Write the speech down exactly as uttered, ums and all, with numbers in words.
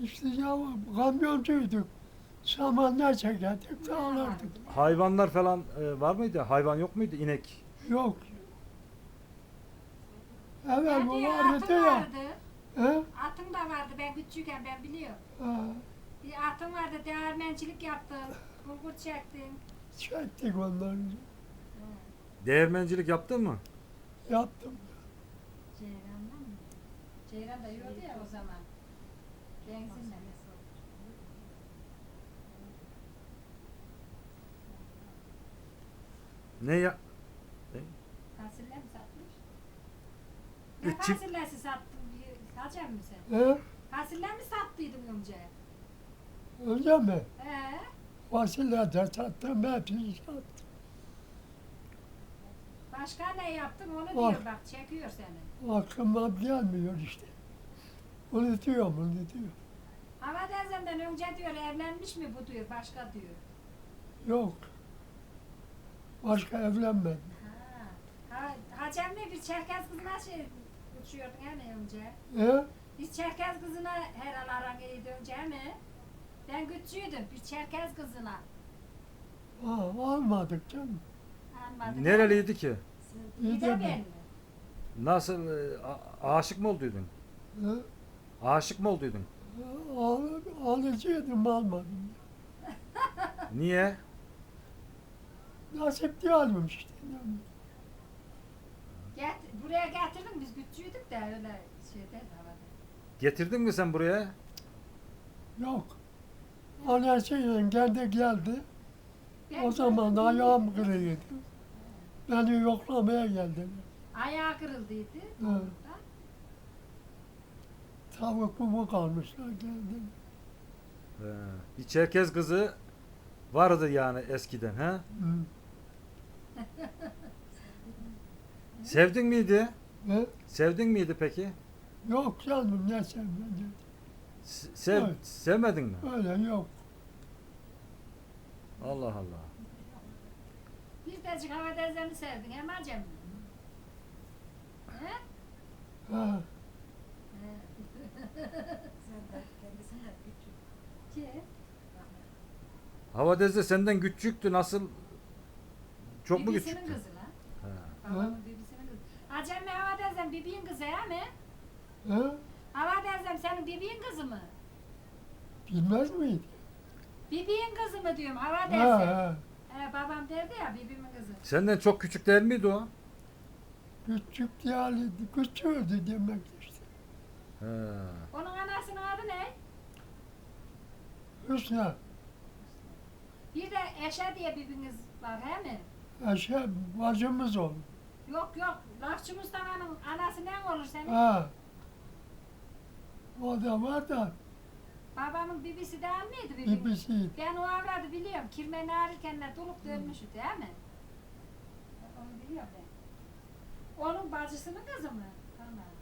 İşte ya kamyoncuyduk. Samanlar çekerdik, dağlardık. Hayvanlar falan e, var mıydı? Hayvan yok muydu? İnek. Yok. Evet Ben bu diyor vardı atın ya. vardı. He? Atım da vardı ben küçükken ben biliyorum. Ha, Bir atım vardı değirmencilik yaptım. Bulgur çektim. çektik onları. Değirmencilik yaptın mı? Yaptım. Ceyran'dan mı? Ceyran da yiyordu ya o zaman. Benzinle. Ne ya? Fasulye mi satmış? E, Ne çift- fasulyesi sattın? Hacem mi sen? He? Fasulye mi sattıydın önce? Öyle mi? He? Fasulye de sattım, hepsini sattım. Başka ne yaptın onu Bak. diyor bak çekiyor seni. Aklıma gelmiyor işte. Unutuyorum, unutuyorum. Hava teyzemden önce diyor evlenmiş mi bu diyor başka diyor. Yok. Başka evlenmedim. Ha. Ha, Hacem'le bir Çerkez kızına şey uçuyordun hani önce. He? Biz Çerkez kızına herhal aran iyiydi önce mi? Ben küçüğüydüm bir Çerkez kızına. Ha, almadık canım. Almadım. Nereliydi ki? İyi İyi de de mi? ben mi? Nasıl? e, a- aşık mı olduydun? He? Aşık mı olduydun? Al, alıcıydım, almadım. Niye? Nasip diyelim işte. Yani. Get, buraya getirdim biz küçüğüydük de öyle şeyde havada. Getirdin mi sen buraya? Yok. Anasıyla geldi geldi. Ben O zaman da gördüm, ayağım bilmiyorum. kırıydı. Beni yoklamaya geldiler. Ayağı kırıldıydı. He. Orada. Tavuk mu kalmışlar geldi. He. Bir Çerkez kızı vardı yani eskiden ha? Hı. Sevdin miydi? Ve Sevdin miydi peki? yok canım ne sevmedi. S- Sev, Evet. sevmedin mi? Öyle yok. Allah Allah. Bir tecik hava teyzemi sevdin hem Hacem mi? He? Ha, He. Ki? Hava Deze senden küçüktü nasıl? Çok mu Bibisinin küçüktü? kızı lan. He. Babamın bibisinin kızı. Hacem mi hava teyzem bibiğin kızı he mi? ha, Hava teyzem senin bibiğin kızı mı? bilmez miydi? Bibiğin kızı mı diyorum hava Ha, teyzem. ha. He, babam derdi ya bibimin kızı. Senden çok küçük değil miydi o? Küçük yani küçüğüydü demek işte. He. Onun anasının adı ne? Hüsnü, Bir de Eşe diye bibiniz var he mi? Eşe bacımız oldu. Yok yok. Lafçı Mustafa'nın anası ne olur senin? Ha. O da var da Babamın bibisi değil miydi bibinin? bibisiydi. Ben o avradı biliyorum. Kirmeni ağrırken de dolup dönmüştü değil mi? Onu biliyorum ben. Onun bacısının kızı mı? Tamam.